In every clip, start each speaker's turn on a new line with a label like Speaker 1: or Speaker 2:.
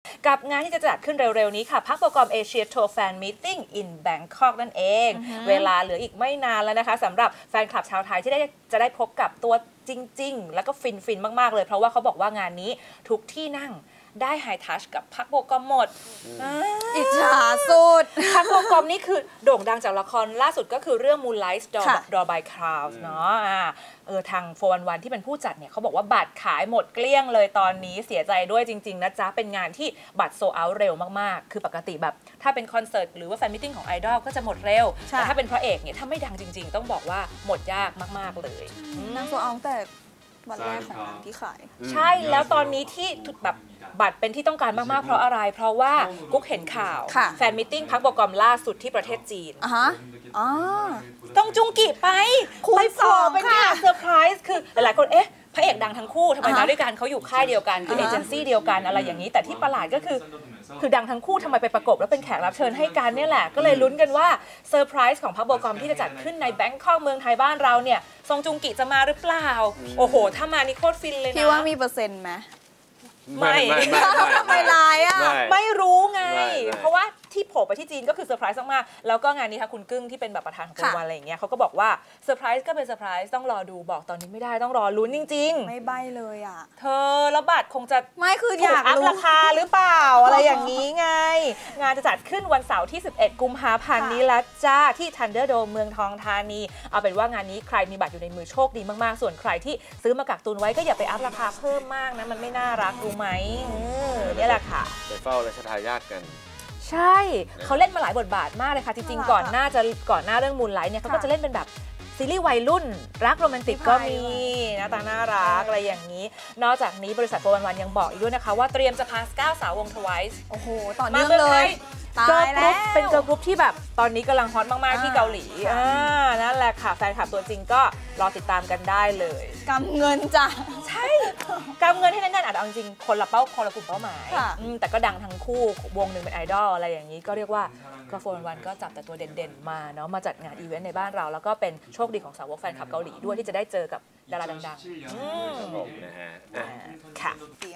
Speaker 1: กับงานที่จะจัดขึ้นเร็วๆนี้ค่ะพักโปรแกรมเอเชียทัวร์แฟนมีตติ้ง in Bangkok นั่นเอง เวลาเหลืออีกไม่นานแล้วนะคะสำหรับแฟนคลับชาวไทยที่จะได้พบกับตัวจริงๆแล้วก็ฟินมากๆเลยเพราะว่าเขาบอกว่างานนี้ทุกที่นั่งได้ไฮทัชกับพักโบกอมหมด
Speaker 2: อิจฉาสุด
Speaker 1: พักโบกอมนี่คือโด่งดังจากละครล่าสุดก็คือเรื่อง Moonlight Door by Clouds เนาะทาง411ที่เป็นผู้จัดเนี่ยเขาบอกว่าบัตรขายหมดเกลี้ยงเลยตอนนี้เสียใจด้วยจริงๆนะจ๊ะเป็นงานที่บัตรโซลด์เอาท์เร็วมากๆคือปกติแบบถ้าเป็นคอนเสิร์ตหรือว่าแฟนมิทติ้งของไอดอลก็จะหมดเร็วแต่ถ้าเป็นพระเอกเนี่ยถ้าไม่ดังจริงๆต้องบอกว่าหมดยากมากๆเลย
Speaker 2: นางโซลด์เอาท์แต่วันแรกของนางที่ขาย
Speaker 1: ใช่แล้วตอนนี้ที่แบบบัตรเป็นที่ต้องการมากๆเพราะอะไรเพราะว่ากุ๊กเห็นข่าวแฟนมิทติ้งพักโปรแกรมล่าสุดที่ประเทศจีนต้องจุงกิไป
Speaker 2: คุณสอง
Speaker 1: เป็นงานเซอร์ไพรส์คือหลายๆคนพระเอกดังทั้งคู่ทำไมมาด้วยกันเขาอยู่ค่ายเดียวกันคือเอเจนซี่เดียวกันอะไรอย่างนี้แต่ที่ประหลาดก็คือดังทั้งคู่ทำไมไปประกบแล้วเป็นแขกรับเชิญให้กันเนี่ยแหละก็เลยลุ้นกันว่าเซอร์ไพรส์ของพักโปรแกรมที่จะจัดขึ้นในแบงคอกเมืองไทยบ้านเราเนี่ยซงจุงกิจะมาหรือเปล่าโอ้โหถ้ามานี่โคตรฟินเลยนะ
Speaker 2: พี่ว่ามีเปอร์เซ็นต์ไหม
Speaker 1: ไม่
Speaker 2: ไม่ลายอ่ะ
Speaker 1: ไม่รู้ไงเพราะว่าที่โผล่ไปที่จีนก็คือเซอร์ไพรส์มากๆแล้วก็งานนี้ค่ะคุณกึ้งที่เป็นแบบประธานของวันอะไรอย่างเงี้ยเขาก็บอกว่าเซอร์ไพรส์ก็เป็นเซอร์ไพรส์ต้องรอดูบอกตอนนี้ไม่ได้ต้องรอลุ้นจริง
Speaker 2: ๆไม่ใบ้เลยอ่ะ
Speaker 1: เธอแล้วบัตรคงจะ
Speaker 2: ไม่คืออยาก
Speaker 1: อัพราคาหรือเปล่าอะไรอย่างนี้ไงงานจะจัดขึ้นวันเสาร์ที่11กุมภาพันธ์นี้แล้วจ้าที่ Thunderdome เมืองทองธานีเอาเป็นว่างานนี้ใครมีบัตรอยู่ในมือโชคดีมากๆส่วนใครที่ซื้อมากักตุนไว้ก็อย่าไปอัพราคาเพิ่มมากนะมันไม่น่ารักรู้ไหมนี่แหละค่ะ
Speaker 3: ไปเฝ้าราชทายาทกัน
Speaker 1: ใช่เขาเล่นมาหลายบทบาทมากเลยค่ะจริงๆก่อนหน้าเรื่องมูนไลท์เนี่ยเขาก็จะเล่นเป็นแบบซีรีส์วัยรุ่นรักโรแมนติกก็มีหน้าตาน่ารักอะไรอย่างนี้นอกจากนี้บริษัท411ยังบอกอีกด้วยนะคะว่าเตรียมจะพา9 สาววง TWICE
Speaker 2: โอ้โหต่อเนื่องเลย
Speaker 1: ตายแล้วเป็นเกิร์ลกรุ๊ปที่แบบตอนนี้กำลังฮอตมากๆที่เกาหลีนั่นแหละค่ะแฟนคลับตัวจริงก็รอติดตามกันได้เลย
Speaker 2: กำเงินจ้ะ
Speaker 1: ใช่กำเงินให้แน่นๆอาจจะเอาจริงคนละกลุ่มเป้าหมายแต่ก็ดังทั้งคู่วงหนึ่งเป็นไอดอลอะไรอย่างนี้ก็เรียกว่าก็411ก็จับแต่ตัวเด่นๆมาเนาะมาจัดงานอีเวนต์ในบ้านเราแล้วก็เป็นโชคดีของสาวกแฟนคลับเกาหลีด้วยที่จะได้เจอกับดาราดัง
Speaker 3: ๆนะฮะ
Speaker 1: ค่ะ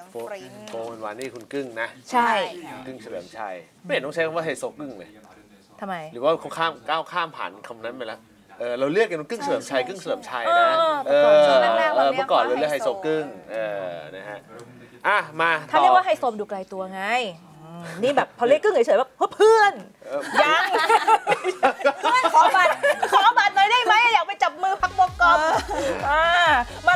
Speaker 3: 411นี่คุณกึ้งนะ
Speaker 1: ใช่
Speaker 3: กึ้งเฉลิมชัยไม่เห็นต้องใช้คำว่าไฮโซกึ้งเลย
Speaker 1: ทำไม
Speaker 3: หรือว่าเขาก้าวข้ามผ่านคำนั้นไปแล้วเราเรียกกันกึ้งเฉลิมชัยนะเมื่อก่อนเราเรียกไฮโซกึ้งนะฮะมา
Speaker 1: ถ้าเรียกว่าไฮโซดูไกลตัวไงนี่แบบพอเรียกกึ้งเฉยๆแบบเพื่อนยังขอบัตรหน่อยได้ไหมอยากไปจับมือพักโบกอมมา